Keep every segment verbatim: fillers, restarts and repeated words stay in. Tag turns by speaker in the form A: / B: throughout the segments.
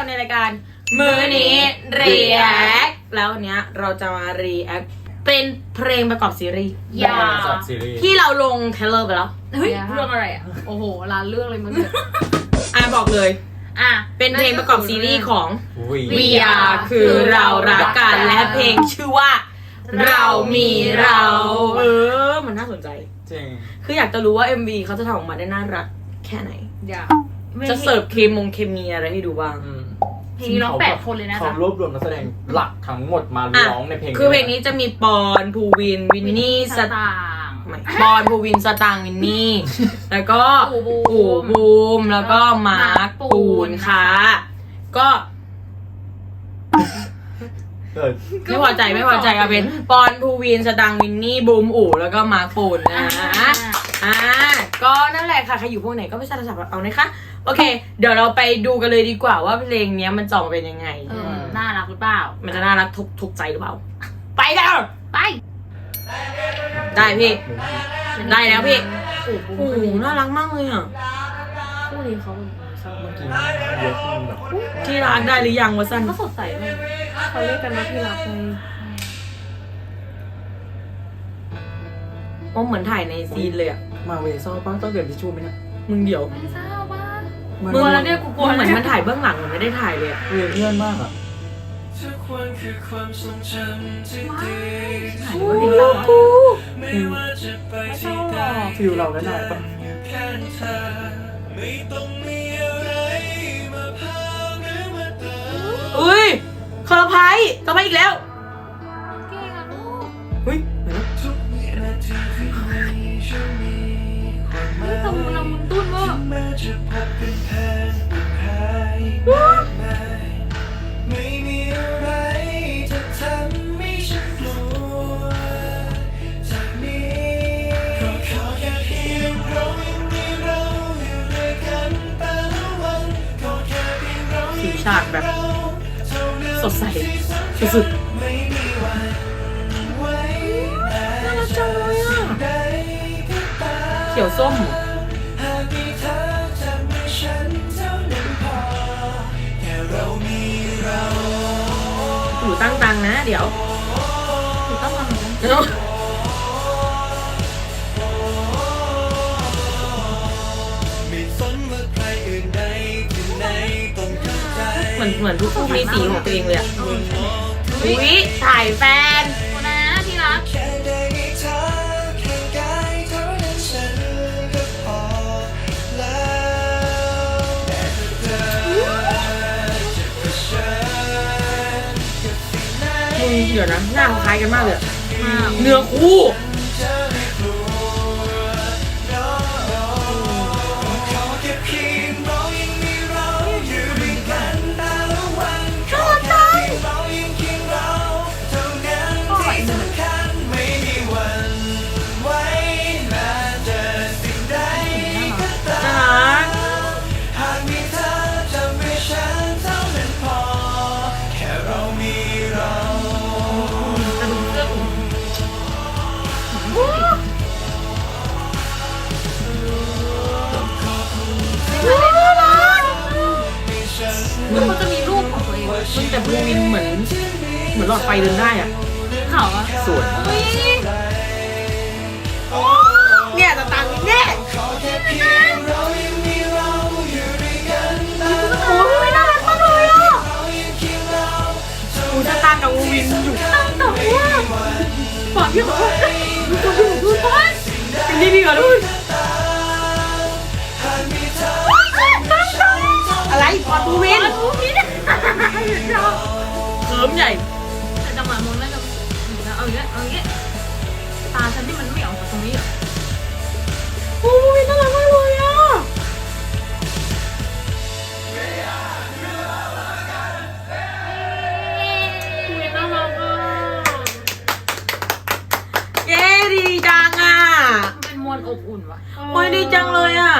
A: ในรายการมื้อนี้ React แล้ววันนี้เราจะมา React เป็นเพลงประกอบซีรีส์
B: ยา
A: ที่เราลงเทรลเลอร์ไปแล้ว
B: เฮ้ยเรื่องอะไรอ่ะโอ้โหร้านเรื่องเลยมึงเนี่ย
A: อ่ะบอกเลยอ่ะเป็นเพลงประกอบซีรีส์ของ We Are คือเรารักกันและเพลงชื่อว่าเรามีเราเออมันน่าสนใจจริงคืออยากจะรู้ว่า เอ็ม วี เขาจะทำออกมาได้น่ารักแค่ไหนอยากจะเสิร์ฟเคมงเคมีอะไรให้ดูบ้าง
B: เพลงนี้ร้องแปดคนเลยนะ
C: เขารวบรวมนักแสดงหลักทั้งหมดมาร้องในเพลง
A: คือเพลงนี้จะมีปอนภูวินวินนี่สตางปอนภูวินสตางวินนี่แล้วก็ปู่บูมแล้วก็มาร์คปูนค่ะก็ไม่พอใจไม่พอใจเอาเป็นปอนภูวินสตางวินนี่บูมอู่แล้วก็มาร์คปูนนะอ่าก็นั่นแหละค่ะใครอยู่พวกไหนก็ไม่ทราบสับเอานะคะโอเคเดี๋ยวเราไปดูกันเลยดีกว่าว่าเพลงนี้มันจะออกมาเป็นยังไง
B: น่ารักหรือเปล่า
A: มันจะน่ารักทุกทุกใจหรือเปล่าไปแล้ว
B: ไป
A: ได้พี่ได้แล้วพี่โอ้โหน่ารักมากเลยอ่ะ
B: คู่นี้เขา
C: เมื่อกี้เยอะแบบ
A: ที่รักได้หรือยังวะสั้น
B: เขาสดใสมากเขาเรียกกันว่าที่รักไง
A: โอ้เหมือนถ่ายในซีนเลยอ่ะ
C: มาเวซ่าป้าต้องเก็บทิชชู่ไหมเนี่ย
A: มึงเดี๋ยว
B: ไม่ทราบว่า
A: มึงแล้วเนี่ยกูกลัวเหมือนมันถ่ายเบื้องหลังเหมือนไม่ได้ถ่ายเลย
C: เพื่อนมากอ่ะ
A: โอ้ยกู
C: ฟิลเราได้ไหมปะ
A: อุ้ยคาราไพกลับมาอีกแล้ว
B: เก่งอ่ะลูก
A: เฮ้ย
B: ทำเรามึงตุ้นวะ
D: ไม่มีอะไรจะทำให้ฉันกลัวจากนี้ก็ขอแค่เพียงเรายังมีเราอยู่ด้วยกันแต่ละวันก็แค่เพียงเรา
A: สีฉากแบบสดใสสุดๆน่ารักจังเลยอ่ะเขียวส้มอยู่ตั้งตังนะเดี๋ยว
B: อยู่ตั้งตัง
A: เดี๋ยวเหมือนเหมือนทุกคู่มีสีของตัวเองเลยอ่ะอุ้ยถ่ายแฟน
B: นะที่รัก
A: เดี๋ยวนะหน้าคล้ายกันมากเลยเนื้อคู่
B: มันเขาจะมีรูปของตัวเอง
A: มันแต่บูวินเหมือนเหมือนหลอดไฟเดินได้อ่ะ
B: เขาอะ
C: สวย
A: เนี่ยตาตังเนี่ยโอ้ยน่ารักมากเลยอ่ะกูจะตางกับบูวินอยู่
B: ตั้งแต่ว่าปอดพี่ขอโทษตัวพี่ขอโทษ
A: เป็นนี่พี่ขอโทษอะไรปอดบูวินเขิมใหญ่
B: แต่จังหวะมองแล้วจะเอาอย่างเงี้ยเอาอย่างเงี้ยตาฉันที่มันไม่ออกจากตรงนี้อ่ะ
A: โอ้ยน่ารักมากเลยอ่ะ
B: คุยน่ารักอ่ะ
A: เย้ดีจังอ่ะ
B: เป็นมวลอบอุ่นว่ะ
A: โอ้ยดีจังเลยอ่ะ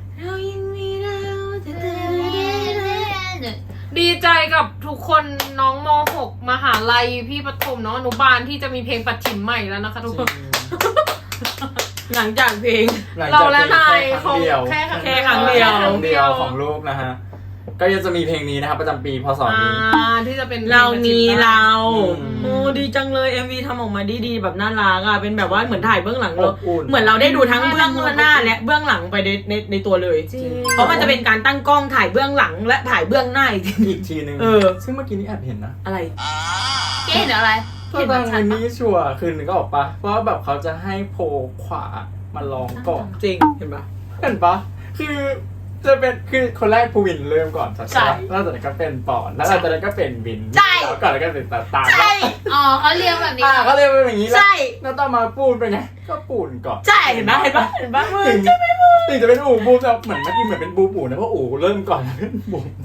B: ดีใจกับทุกคนน้องม หก มหาลัยพี่ประถมน้องอนุบาลที่จะมีเพลงปัดฉิมใหม่แล้วนะคะทุกคน
A: หลังจากเพลง
B: เราและนายของ
C: แค่
A: แค่ครั้งเดียว
C: ครั้งเดียวของลูกนะฮะก็ยังจะมีเพลงนี้นะครับประจำปีพศ
B: อ่า
C: นี้
B: ที่จะเป็น
A: เรามีเรา
C: อืม
A: โอ้ดีจังเลย เอ็ม วี ทำออกมาดีๆแบบน่ารักอ่ะเป็นแบบว่าเหมือนถ่ายเบื้องหลังเรา
C: อบอุ่น
A: เหมือนเราได้ดูทั้งเบื้องหน้าและเบื้องหลังไปในในในตัวเลย
B: จริง
A: เพราะมันจะเป็นการตั้งกล้องถ่ายเบื้องหลังและถ่ายเบื้องหน้าอีกที
C: อีกทีนึง
A: เออ
C: ซึ่งเมื่อกี้นี้แอบเห็นนะ
A: อะไร
E: เก๋เห็นอะไร
C: ตอนวันนี้ชัวร์คืนนึงก็ออกปะเพราะว่าแบบเขาจะให้โพลขวามาลองก่อน
A: จริงเห็นปะ
C: เห็นปะคือจะเป็นคือคนแรกภูวินเริ่มก่อนใช่ไหม
E: ใช่
C: แล้วจากนั้นก็เป็นปอนแล้วหลังจากนั้นก็เป็นวิน
E: ใช่
C: แล้วก่อนแล้วก็เป็นตาตา
A: ใช่
E: อ๋อเขาเรียงแบบนี้
C: อ่าเขาเรียกว่าอย่างนี้แล้ว
A: ใช่
C: แล้วต่อมาปูนเป็นไงก็ปูนก่อน
A: ใช่เห็นปะเห็นปะเห็นปะมึ
C: ถึ
A: ง
C: งถึงจะเป็นอู่บูมแต่เหมือนเมื่อกี้เหมือนเป็นบูปูนะเพราะอู่เริ่มก่อนแล้วเป็นบูม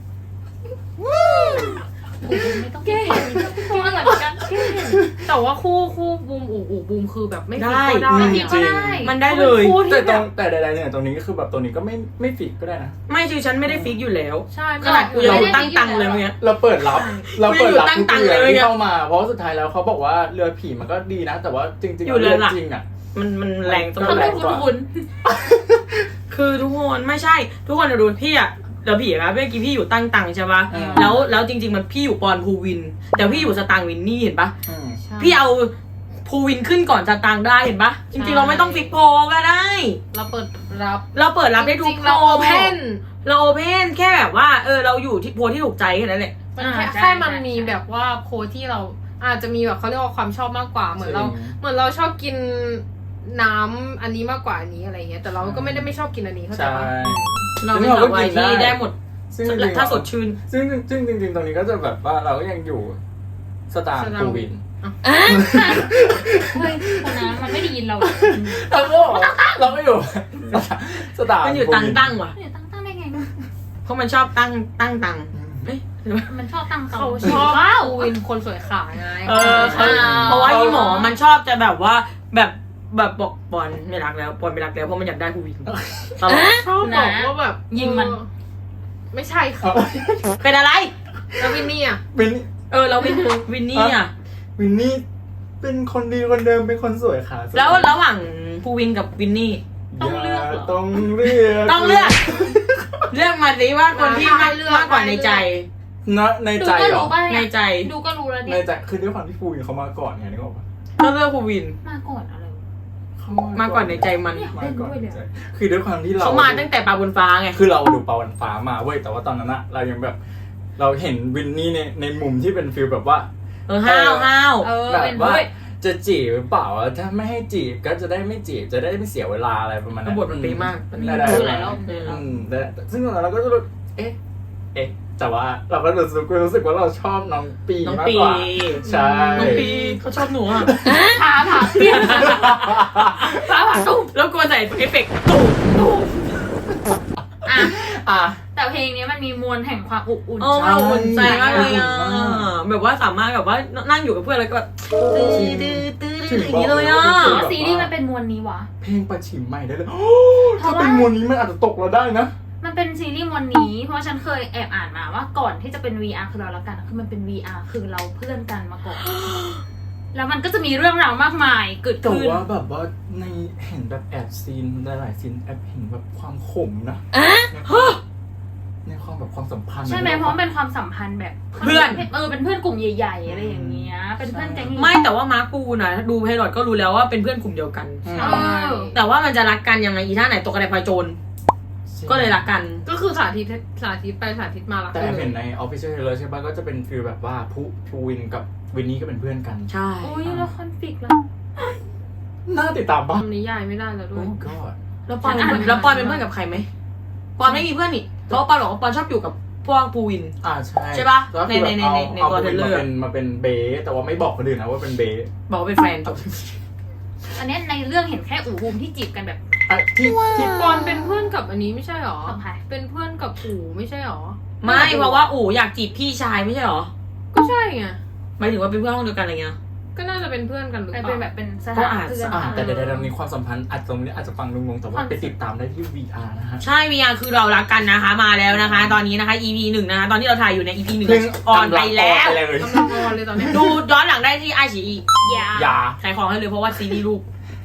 E: ไม่ต้องเก๋พูดอะไรเหมือนกันเก๋
B: แต่ว่าคู่คู่บูมอู่อู่บูมคือแบบไม่ฟิก
A: ได้
B: ก็ได้
E: ไม่ฟิกก็ได้
A: มันได้เลย
B: คู่
C: แต่
B: ที่
C: ต
B: แบ
C: รง
B: บ
C: แต่ใดๆเนี่ยตรงนี้ก็คือแบบตัวนี้ก็ไม่ไม่ฟิกก็ได้นะ
A: ไม่คือฉันไม่ได้ฟิกอยู่แล้ว
B: ใช่
A: ขนาดกูยังตั้งตังค์เลยเมื่อกี้
C: เราเปิดรับเราเปิดรับ
A: ตั้ง
C: ทุก
A: ตังค์
C: เรือ
A: เลย
C: ที่
A: ไง
C: เข้ามาเพราะสุดท้ายแล้วเขาบอกว่าเรือผีมันก็ดีนะ แต่ว่าจริงๆ
A: อยู่เรือหลัก
C: จริงอ่ะ
A: มันมันแรงตรง
C: ก็
A: นั้น
C: แรงกว่า
E: คุณ
A: คือทุกคนไม่ใช่ ทุกคนดูพี่อะเดี๋ยวพี่อะเมื่อกี้พี่อยู่ตั้งตังค์ใช่ปะ
C: อืม
A: แล้วแล้วจริง ๆ มันพี่อยู่ปอนภูวิน แต่พี่อยู่สตางค์วินนี่เห็นปะ
C: อืม
B: ใช่
A: พี่เอาภูวินขึ้นก่อนสตางค์ได้เห็นปะจริงๆเราไม่ต้องฟิกโพลก็ได้
B: เราเปิดรับ
A: เราเปิดรับได้ทุ
B: จ
A: ก
B: ริงๆ
A: โพ
B: เรา
A: ล
B: โอเพน
A: เราโอเพนแค่แบบว่าเออเราอยู่ที่โพลที่ถูกใจแค่นั้นแหละ
B: มันแค่
E: อ่าใช่
B: แค่มัน
E: ใช่
B: มีแบบว่าโพสที่เราอาจจะมีแบบเขาเรียกว่าความชอบมากกว่าเหมือนเรา
C: จริง
B: เหมือนเราชอบกินน้ำอันนี้มากกว่าอันนี้อะไรเงี้ยแต่เราก็ไม่ได้ไม่ชอบกินอันนี้เข้าใจปะ
C: ใช่
A: เราเป็นสาววายที่ได้หมด
C: ซึ่งจริงๆ
A: ถ้าสดชื่น
C: ซึ่งซึ่งจริงๆตรงนี้ก็จะแบบว่าเราก็ยังอยู่สตาร์ภูวิน
E: เฮ้ยคนนั้นมันไม่ได้ยินเรา
C: เราก็เราก็อยู่สตาร์
A: มันอยู่
C: ภู
A: ตัง
C: วิน
A: ตั้งว่ะ
E: เนี่ยตั้งตั้งได้ไง
A: เพราะมันชอบตั้งตั้งตังเอ้ยหรือว่า
E: มันชอบตั้ง
B: เขาชอบ
E: ว้าว
B: ปูวินคนสวยขาไง
A: เออเขาเพราะว่าอีหมอมันชอบจะแบบว่าแบบแบบบอกปอนไม่รักแล้วปอนไม่รักแล้วเพราะมันอยากได้ภูวินตลอด
B: ชอบบอกว่าแบบ
E: ยิงมัน
B: เออไม่ใช่ค่ะ
A: เป็นอะไร
B: แล้ววินนี่อ่ะ
C: วิน
A: เออเราวินวินนี่อ่ะ
C: วินนี่เป็นคนดีคนเดิมเป็นคนสวยค่ะ
A: แล้วระหว่างภูวินกับวินนี่
E: ต้องเลือกเหรอ
C: ต้องเลือก
A: ต้องเลือก เลือกมาสิว่าคนที่มากมากกว่าในใจ
C: นะใน
E: ดู
C: ใจ
E: ก็
C: เหรอ
E: รู้ป่ะ
A: ใน
E: เนี่ย
A: ใจ
E: ดูก็รู้แล้ว
C: ใน
E: เนี่ย
C: ใจคือด้วยความที่ภูวินเขามาก่อนไงนึกออกปะ
A: ก็เลือกภูวิน
E: มาก่อนอะไรวะ
C: เขา
A: มาก่อนในใจมัน
C: มาก่อนในใจคือด้วยความที่เรา
A: เขามาตั้งแต่ปลาบนฟ้าไง
C: คือเราดูปาวันฟ้ามาเว้ยแต่ว่าตอนนั้นอะเรายังแบบ เราเห็นวินนี่ในในมุมที่เป็นฟิลแบบว่า
A: เออห้าวห้าว
E: เออ
C: แบบ
E: เป็น
C: ว่า
E: ด้วย
C: จะจีบหรือเปล่าถ้าไม่ให้จีบก็จะได้ไม่จีบจะได้ไม่เสียเวลาอะไรประมาณ
A: แล้
C: นั้
A: วน บทมันเป๊ะมาก
C: ได้ได้
E: ดูหลายรอบ
A: เออ
C: อืมแต่ซึ่งตอนนั้นเราก็จะรู้เอ๊ะเอ๊ะแต่ว่าเราก็รู้สึกรู้สึกว่าเราชอบน้องปี
A: น้อง
C: มาก
A: ปี
C: กว่าใช่
A: น้องปีเขาชอบหนูอ่ะ
E: พาผ่าเปลี่ยนพาผ่าตุ้ม
A: แล้วกลัวใส่เอฟเฟกต์ตูมตูม
E: อ่ะ
C: อ่ะ
E: แต่เพลงนี้มันมีมวลแห่งความอบอุ่น
A: โอ้มันอุ่นใจมากเลยอ่ะแบบว่าสามารถแบบว่านั่งอยู่กับเพื่อนแล้วก็แบบตื้อตื้อตื้อตื้ออย่างนี้เลยอ่ะ
E: อ๋อซีรีส์มันเป็นมวลนี้วะ
C: เพลงประชิมใหม่ได้เลยโอ้
E: เพ
C: ถ้า
E: ราะว่า
C: เป็นมวลนี้มันอาจจะตกเราได้นะ
E: มันเป็นซีรีส์มวลนี้ เพราะฉันเคยแอบอ่านมาว่าก่อนที่จะเป็น วี อาร์ คือเรารักกันอะคือมันเป็น วี อาร์ คือเราเพื่อนกันมาก่อน แล้วมันก็จะมีเรื่องราวมากมายเกิด
C: แต่
E: ขึ้น
C: ว่าแบบว่าในเห็นแบบแอบซีนหลายๆซีนแอบเห็นแบบความขมนะในความแบบความสัมพันธ์
E: ใช่ไหมเพราะมันเป็นความสัมพันธ์แบบ
A: เพื่อน
E: เออเป็นเพื่อนกลุ่มใหญ่ๆอะไรอย่างเงี้ยเป็นเพื่อนแก๊ง
A: ไม่แต่ว่ามาร์คปูนะดูไพลอตก็รู้แล้วว่าเป็นเพื่อนกลุ่มเดียวกัน
C: อืม
E: เออ
A: แต่ว่ามันจะรักกันยังไงอีท่าไหนตกกระไดพลอยโจรก็เลยรักกัน
B: ก็คือสาธิตสาธิตไปสาธิตมาละ
C: แต่แอบเห็นใน Official Trailer ใช่ปะก็จะเป็นฟีลแบบว่าผู้ภูวินกับวินนี่ก็เป็นเพื่อนกัน
A: ใช่
E: โอ้ยแล้วคอนฟ lict แล้ว
C: น่าติดตามปะ
B: ทำนิยายไม่ได้แล้วด้
C: โอ้
B: วย
C: god
A: แล้วปอนเป็นเพื่อนแล้วปอนเป็นเพื่อนกับใครไหมปอนไม่มีเพื่อนนี่เพราะว่าปอนบอกว่าปอนชอบอยู่กับพวกภูวิน
C: อ่าใช่
A: ใช่ปะ
C: แล้วคือแบบ
A: ในใน
C: เอา
A: ในใน
C: เอา
A: ตัว
C: ภูวิน
A: trailer
C: มาเป็นมาเป็นเบสแต่ว่าไม่บอกคนอื่นนะว่าเป็นเบส
A: บอกว่าเป็นแฟนจบ
E: อันเนี้ยในเรื่องเห็นแค่อู่บูมที่จีบกันแบบ
C: อ่ะที่ที่
B: ปอนเป็นเพื่อนกับอันนี้ไม่ใช่หรอ
E: กับใคร
B: เป็นเพื่อนกับปู่ไม่ใช่หรอ
A: ไม่เพราะว่าอู๋อยากจีบพี่ชายไม่ใช่หรอ
B: ก็ใช่ไง
A: หมายถึงว่าเป็นเพื่อนห้องเดียวกันอะไรเงี้ย
B: ก็น่าจะเป็นเพื่อนกันหรือเป
E: เป็น
B: ล่า
E: แบบเป็นส
A: ก็
E: ถาน
A: อาจ
E: เพื่อน
C: อ่าแต่เดี๋ยวเรามีความสัมพันธ์อาจจะตรงนี้อาจจะฟังงงๆแต่ว่าไปติดตามได้ที่ วี อาร์ นะฮะ
A: ใช่ วี อาร์ คือเรารักกันนะคะมาแล้วนะคะ ตอนนี้นะคะ อี พี หนึ่งนะคะตอนที่เราถ่ายอยู่ใน อี พี หนึ่ง
C: เพิ่ง
A: ออนไปแล้ว
C: ออนไปเลย
B: กำลังออนเลยตอนนี้
A: ดูย้อนหลังได้ที่ไอชีอี
E: ยา
C: อย่า
A: ขายของให้เลยเพราะว่าซีรีส์ลูก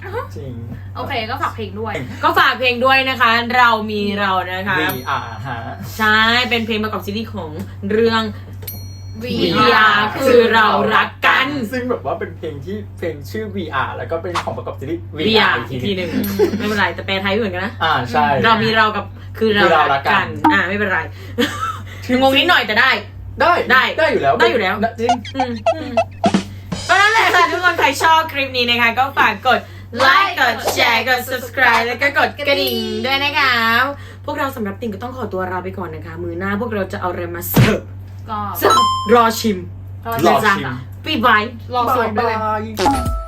C: จริง
E: โอเคก็ฝากเพลงด้วย
A: ก็ฝากเพลงด้วยนะคะ เรามีเรานะคะ
C: วี อาร์ ฮะ
A: ใช่เป็นเพลงประกอบซีรีส์ของเรื่อง
B: วี
A: วี อาร์ คือเรารักกัน
C: ซึ่งแบบว่าเป็นเพลงที่เพลงชื่อ วี อาร์ แล้วก็เป็นของประกอบซีรีส์
A: วี
C: วี
A: อา
C: อาร์
A: ร์ อีกทีหนึ่งไม่เป็นไรแต่แปลไทยเหมือนกันนะ
C: อ่าใช่
A: เรามีเรากับคือเรา
C: คือเรารั
A: รั
C: ก
A: ก
C: กั
A: กัน น อ่าไม่เป็นไร งงนิดหน่อยแต่ได้
C: ได้
A: ได้
C: ได้อยู่แล้ว
A: ได้อยู่แล้ว
C: จริง
A: อืมอืมก็นั่นแหละค่ะทุกคนใครชอบคลิปนี้นะคะ ก็ฝากกดไลค์กดแชร์กด subscribe แล้วก็กดกระดิ่งด้วยนะคะ พวกเราสำหรับติ่งก็ต้องขอตัวลาไปก่อนนะคะ มือหน้าพวกเราจะเอาอะไรมาเสิร์ฟ
E: ก็
A: เสิร์ฟรอชิม
C: รอชิม
A: ปีบาย
B: รอสวด
C: บา
B: ด้วย
C: ยบาย